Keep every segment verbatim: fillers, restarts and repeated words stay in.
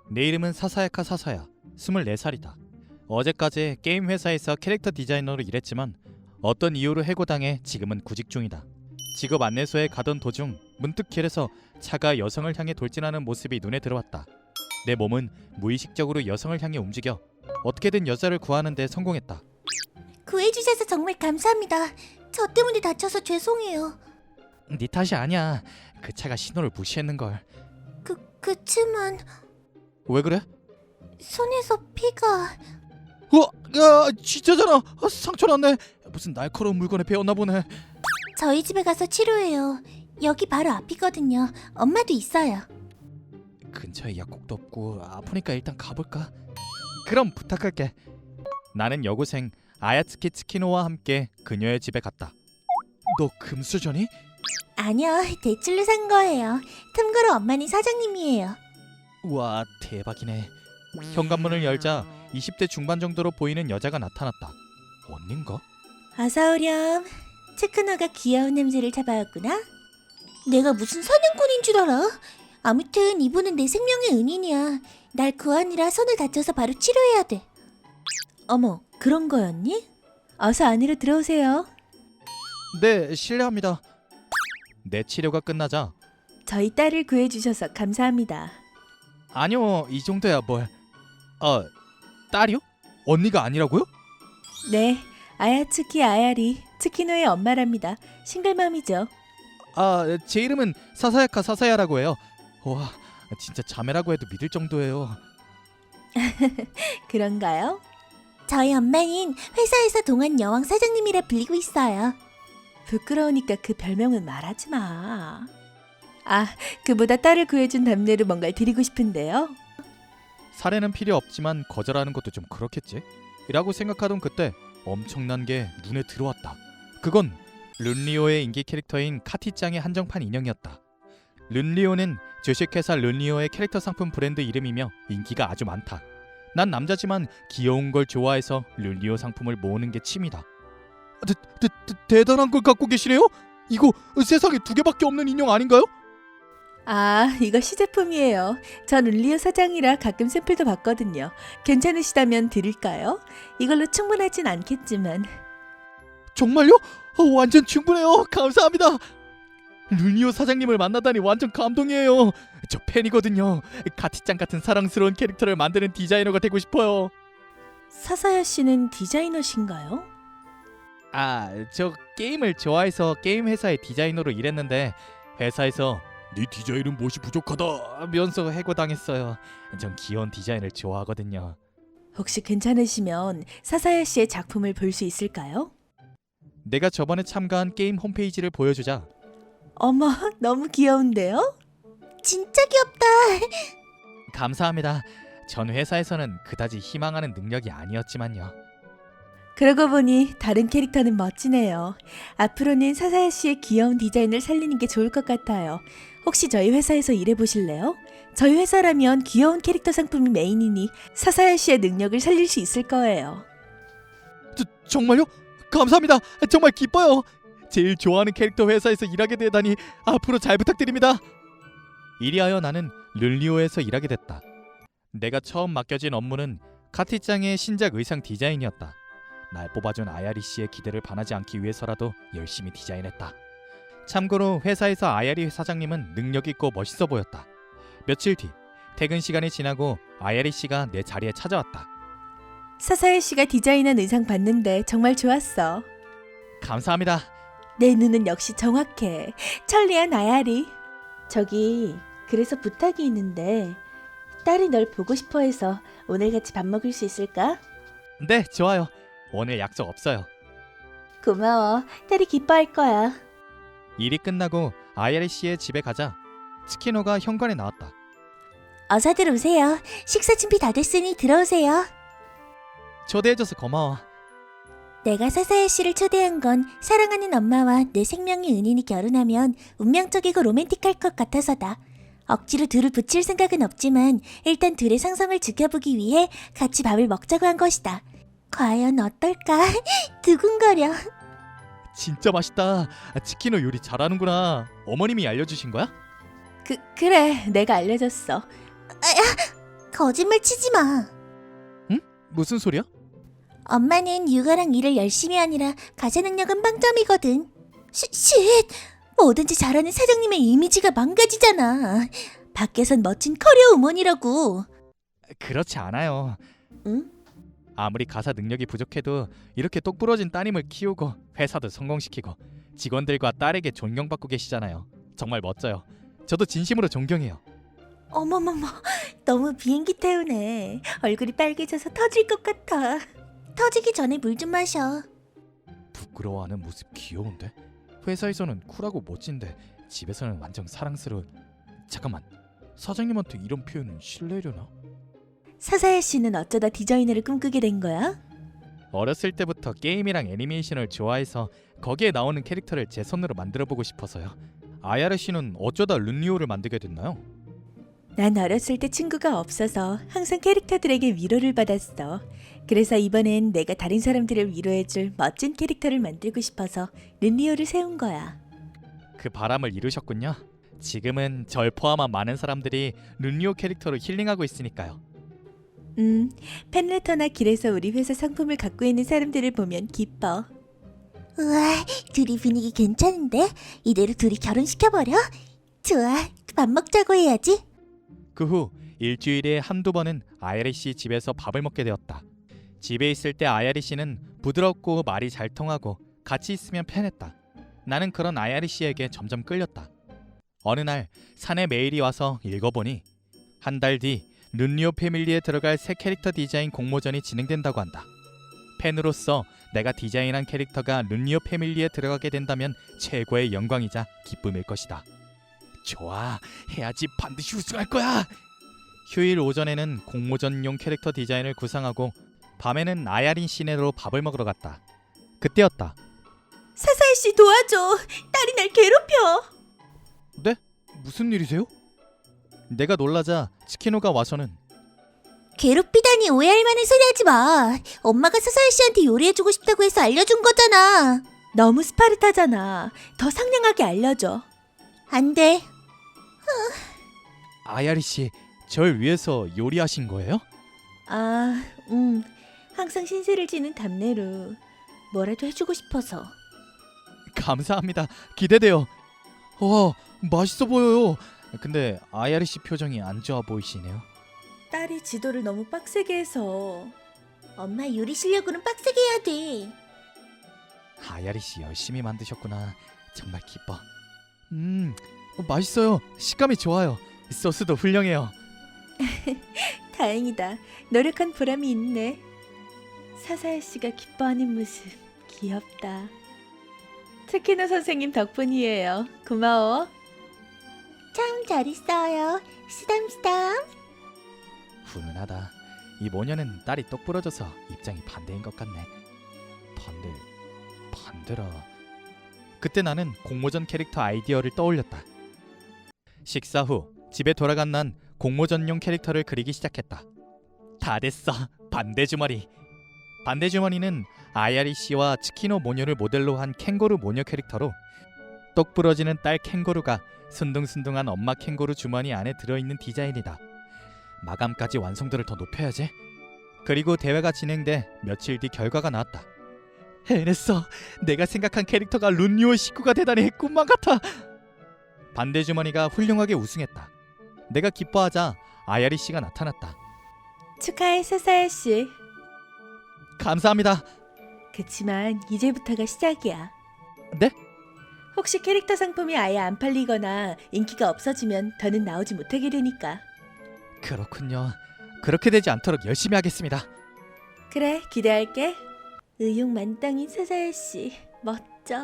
내 이름은 사사야카 사사야. 스물네 살이다. 어제까지 게임 회사에서 캐릭터 디자이너로 일했지만 어떤 이유로 해고당해 지금은 구직 중이다. 직업 안내소에 가던 도중 문득 길에서 차가 여성을 향해 돌진하는 모습이 눈에 들어왔다. 내 몸은 무의식적으로 여성을 향해 움직여 어떻게든 여자를 구하는 데 성공했다. 구해주셔서 정말 감사합니다. 저 때문에 다쳐서 죄송해요. 네 탓이 아니야. 그 차가 신호를 무시했는걸. 그, 그치만 왜 그래? 손에서 피가... 어? 야, 진짜잖아. 아, 상처 났네. 무슨 날카로운 물건에 베었나 보네. 저희 집에 가서 치료해요. 여기 바로 앞이거든요. 엄마도 있어요. 근처에 약국도 없고 아프니까 일단 가볼까? 그럼 부탁할게. 나는 여고생 아야츠키 츠키노와 함께 그녀의 집에 갔다. 너 금수저니? 아니요, 대출로 산 거예요. 틈으로 엄마는 사장님이에요. 우와, 대박이네. 현관문을 열자 이십 대 중반 정도로 보이는 여자가 나타났다. 언닌가? 어서오렴. 체크너가 귀여운 냄새를 잡아왔구나. 내가 무슨 사냥꾼인 줄 알아? 아무튼 이분은 내 생명의 은인이야. 날 구하느라 손을 다쳐서 바로 치료해야 돼. 어머, 그런 거였니? 어서 안으로 들어오세요. 네, 실례합니다. 내 치료가 끝나자 저희 딸을 구해주셔서 감사합니다. 아니요, 이 정도야 뭘. 아, 딸이요? 언니가 아니라고요? 네, 아야츠키 아야리, 츠키노의 엄마랍니다. 싱글맘이죠. 아, 제 이름은 사사야카 사사야라고 해요. 와, 진짜 자매라고 해도 믿을 정도예요. 그런가요? 저희 엄마는 회사에서 동안 여왕 사장님이라 불리고 있어요. 부끄러우니까 그 별명은 말하지 마. 아, 그보다 딸을 구해준 답례로 뭔가를 드리고 싶은데요. 사례는 필요 없지만 거절하는 것도 좀 그렇겠지? 라고 생각하던 그때 엄청난 게 눈에 들어왔다. 그건 룬리오의 인기 캐릭터인 카티짱의 한정판 인형이었다. 룬리오는 주식회사 룬리오의 캐릭터 상품 브랜드 이름이며 인기가 아주 많다. 난 남자지만 귀여운 걸 좋아해서 룬리오 상품을 모으는 게 취미다. 대, 대, 대, 대단한 걸 갖고 계시네요? 이거 세상에 두 개밖에 없는 인형 아닌가요? 아, 이거 시제품이에요. 전 룰리오 사장이라 가끔 샘플도 받거든요. 괜찮으시다면 드릴까요? 이걸로 충분하진 않겠지만. 정말요? 어, 완전 충분해요. 감사합니다. 룬리오 사장님을 만나다니 완전 감동이에요. 저 팬이거든요. 카티짱 같은 사랑스러운 캐릭터를 만드는 디자이너가 되고 싶어요. 사사야 씨는 디자이너신가요? 아, 저 게임을 좋아해서 게임 회사의 디자이너로 일했는데 회사에서 네 디자인은 무엇이 부족하다면서 해고당했어요. 전 귀여운 디자인을 좋아하거든요. 혹시 괜찮으시면 사사야 씨의 작품을 볼 수 있을까요? 내가 저번에 참가한 게임 홈페이지를 보여주자 어머, 너무 귀여운데요? 진짜 귀엽다. 감사합니다. 전 회사에서는 그다지 희망하는 능력이 아니었지만요. 그러고 보니 다른 캐릭터는 멋지네요. 앞으로는 사사야 씨의 귀여운 디자인을 살리는 게 좋을 것 같아요. 혹시 저희 회사에서 일해보실래요? 저희 회사라면 귀여운 캐릭터 상품이 메인이니 사사야 씨의 능력을 살릴 수 있을 거예요. 저, 정말요? 감사합니다. 정말 기뻐요. 제일 좋아하는 캐릭터 회사에서 일하게 되다니 앞으로 잘 부탁드립니다. 이리하여 나는 룰리오에서 일하게 됐다. 내가 처음 맡겨진 업무는 카티짱의 신작 의상 디자인이었다. 날 뽑아준 아야리 씨의 기대를 반하지 않기 위해서라도 열심히 디자인했다. 참고로 회사에서 아야리 사장님은 능력 있고 멋있어 보였다. 며칠 뒤 퇴근 시간이 지나고 아야리 씨가 내 자리에 찾아왔다. 사사야 씨가 디자인한 의상 봤는데 정말 좋았어. 감사합니다. 내 눈은 역시 정확해. 천리안 아야리. 저기, 그래서 부탁이 있는데 딸이 널 보고 싶어 해서 오늘 같이 밥 먹을 수 있을까? 네, 좋아요. 오늘 약속 없어요. 고마워. 딸이 기뻐할 거야. 일이 끝나고 아야리 씨의 집에 가자 츠키노가 현관에 나왔다. 어서들 오세요. 식사 준비 다 됐으니 들어오세요. 초대해줘서 고마워. 내가 사사야 씨를 초대한 건 사랑하는 엄마와 내 생명의 은인이 결혼하면 운명적이고 로맨틱할 것 같아서다. 억지로 둘을 붙일 생각은 없지만 일단 둘의 상성을 지켜보기 위해 같이 밥을 먹자고 한 것이다. 과연 어떨까? 두근거려. 진짜 맛있다. 치키노 요리 잘하는구나. 어머님이 알려주신 거야? 그, 그래. 내가 알려줬어. 거짓말 치지 마. 무슨 소리야? 엄마는 육아랑 일을 열심히 하느라 가사 능력은 빵점이거든. 시, 쉿! 뭐든지 잘하는 사장님의 이미지가 망가지잖아. 밖에선 멋진 커리어 우먼이라고. 그렇지 않아요. 응? 아무리 가사 능력이 부족해도 이렇게 똑부러진 따님을 키우고 회사도 성공시키고 직원들과 딸에게 존경받고 계시잖아요. 정말 멋져요. 저도 진심으로 존경해요. 어머머머, 너무 비행기 태우네. 얼굴이 빨개져서 터질 것 같아. 터지기 전에 물 좀 마셔. 부끄러워하는 모습 귀여운데? 회사에서는 쿨하고 멋진데 집에서는 완전 사랑스러운... 잠깐만, 사장님한테 이런 표현은 실례려나? 사사야 씨는 어쩌다 디자이너를 꿈꾸게 된 거야? 어렸을 때부터 게임이랑 애니메이션을 좋아해서 거기에 나오는 캐릭터를 제 손으로 만들어보고 싶어서요. 아야르 씨는 어쩌다 룬리오를 만들게 됐나요? 난 어렸을 때 친구가 없어서 항상 캐릭터들에게 위로를 받았어. 그래서 이번엔 내가 다른 사람들을 위로해줄 멋진 캐릭터를 만들고 싶어서 른리오를 세운 거야. 그 바람을 이루셨군요. 지금은 절 포함한 많은 사람들이 룬리오 캐릭터로 힐링하고 있으니까요. 음, 팬레터나 길에서 우리 회사 상품을 갖고 있는 사람들을 보면 기뻐. 우와, 둘이 분위기 괜찮은데? 이대로 둘이 결혼시켜버려? 좋아, 밥 먹자고 해야지. 그 후 일주일에 한두 번은 아야리 씨 집에서 밥을 먹게 되었다. 집에 있을 때 아야리 씨는 부드럽고 말이 잘 통하고 같이 있으면 편했다. 나는 그런 아야리 씨에게 점점 끌렸다. 어느 날 산에 메일이 와서 읽어보니 한 달 뒤 룬리오 패밀리에 들어갈 새 캐릭터 디자인 공모전이 진행된다고 한다. 팬으로서 내가 디자인한 캐릭터가 룬리오 패밀리에 들어가게 된다면 최고의 영광이자 기쁨일 것이다. 좋아, 해야지. 반드시 우승할 거야. 휴일 오전에는 공모전용 캐릭터 디자인을 구상하고 밤에는 아야린 시내로 밥을 먹으러 갔다. 그때였다. 사사야 씨 도와줘. 딸이 날 괴롭혀. 네? 무슨 일이세요? 내가 놀라자 치키노가 와서는 괴롭히다니 오해할 만한 소리 하지 마. 엄마가 사사야 씨한테 요리해주고 싶다고 해서 알려준 거잖아. 너무 스파르타잖아. 더 상냥하게 알려줘. 안 돼. 아야리 씨, 절 위해서 요리하신 거예요? 아, 음. 항상 신세를 지는 답내로 뭐라도 해주고 싶어서. 감사합니다. 기대돼요. 와, 맛있어 보여요. 근데 아야리 씨 표정이 안 좋아 보이시네요. 딸이 지도를 너무 빡세게 해서. 엄마 요리 실력으로는 빡세게 해야 돼. 아야리 씨 열심히 만드셨구나. 정말 기뻐. 음, 어, 맛있어요. 식감이 좋아요. 소스도 훌륭해요. 다행이다. 노력한 보람이 있네. 사사야 씨가 기뻐하는 모습 귀엽다. 특히나 선생님 덕분이에요. 고마워. 참 잘했어요. 쓰담쓰담. 훈훈하다. 이 모녀는 딸이 똑 부러져서 입장이 반대인 것 같네. 반대, 반대라. 그때 나는 공모전 캐릭터 아이디어를 떠올렸다. 식사 후 집에 돌아간 난 공모전용 캐릭터를 그리기 시작했다. 다 됐어. 반대 주머니. 반대 주머니는 아야리 씨와 치키노 모녀를 모델로 한 캥거루 모녀 캐릭터로 똑 부러지는 딸 캥거루가 순둥순둥한 엄마 캥거루 주머니 안에 들어있는 디자인이다. 마감까지 완성도를 더 높여야지. 그리고 대회가 진행돼 며칠 뒤 결과가 나왔다. 해냈어. 내가 생각한 캐릭터가 룬리오 식구가 되다니 꿈만 같아. 반대 주머니가 훌륭하게 우승했다. 내가 기뻐하자 아야리 씨가 나타났다. 축하해 사사야 씨. 감사합니다. 그치만 이제부터가 시작이야. 네? 혹시 캐릭터 상품이 아예 안 팔리거나 인기가 없어지면 더는 나오지 못하게 되니까. 그렇군요. 그렇게 되지 않도록 열심히 하겠습니다. 그래, 기대할게. 의욕 만땅인 사사야 씨, 멋져.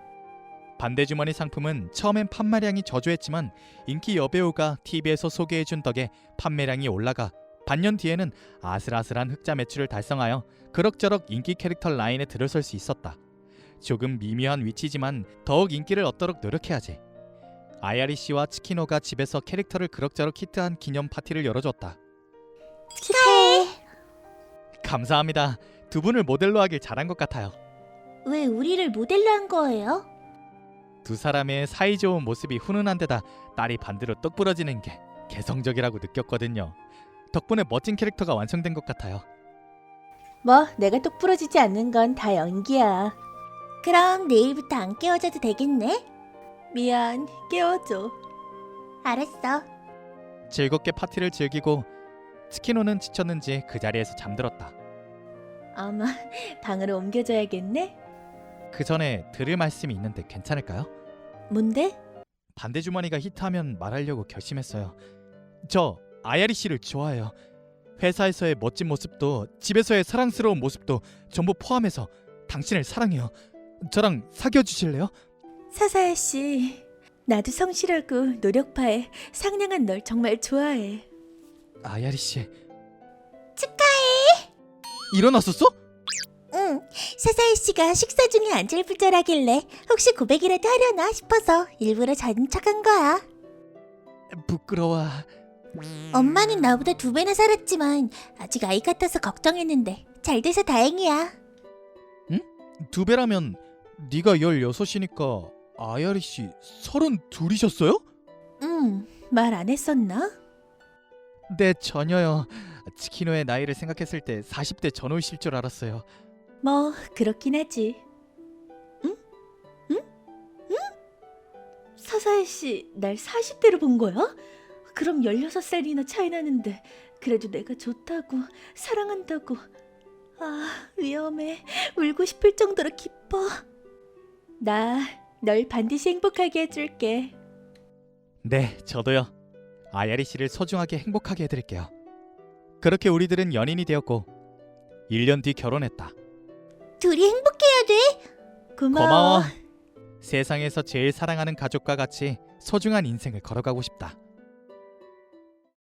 반대 주머니 상품은 처음엔 판매량이 저조했지만 인기 여배우가 티비에서 소개해준 덕에 판매량이 올라가 반년 뒤에는 아슬아슬한 흑자 매출을 달성하여 그럭저럭 인기 캐릭터 라인에 들어설 수 있었다. 조금 미묘한 위치지만 더욱 인기를 얻도록 노력해야지. 아야리 씨와 치키노가 집에서 캐릭터를 그럭저럭 히트한 기념 파티를 열어줬다. 축하해. 감사합니다. 두 분을 모델로 하길 잘한 것 같아요. 왜 우리를 모델로 한 거예요? 두 사람의 사이좋은 모습이 훈훈한 데다 딸이 반대로 똑 부러지는 게 개성적이라고 느꼈거든요. 덕분에 멋진 캐릭터가 완성된 것 같아요. 뭐 내가 똑 부러지지 않는 건 다 연기야. 그럼 내일부터 안 깨워줘도 되겠네? 미안, 깨워줘. 알았어. 즐겁게 파티를 즐기고 스키노는 지쳤는지 그 자리에서 잠들었다. 아마 방으로 옮겨줘야겠네? 그 전에 들을 말씀이 있는데 괜찮을까요? 뭔데? 반대 주머니가 히트하면 말하려고 결심했어요. 저 아야리 씨를 좋아해요. 회사에서의 멋진 모습도 집에서의 사랑스러운 모습도 전부 포함해서 당신을 사랑해요. 저랑 사귀어 주실래요? 사사야 씨, 나도 성실하고 노력파에 상냥한 널 정말 좋아해. 아야리 씨. 축하해. 일어났었어? 응, 사사야 씨가 식사 중에 안절부절하길래 혹시 고백이라도 하려나 싶어서 일부러 자는 척한 거야. 부끄러워. 엄마는 나보다 두 배나 살았지만 아직 아이 같아서 걱정했는데 잘 돼서 다행이야. 두 배라면 네가 열여섯이니까 아야리 씨 서른둘이셨어요? 응, 말 안 했었나? 네, 전혀요. 치키노의 나이를 생각했을 때 사십 대 전후이실 줄 알았어요. 뭐 그렇긴 하지. 응? 응? 응? 사사야 씨, 날 사십 대로 본 거야? 그럼 열여섯 살이나 차이 나는데 그래도 내가 좋다고 사랑한다고. 아, 위험해. 울고 싶을 정도로 기뻐. 나 널 반드시 행복하게 해줄게. 네, 저도요. 아야리 씨를 소중하게 행복하게 해드릴게요. 그렇게 우리들은 연인이 되었고 일 년 뒤 결혼했다. 둘이 행복해야 돼. 고마워. 고마워. 세상에서 제일 사랑하는 가족과 같이 소중한 인생을 걸어가고 싶다.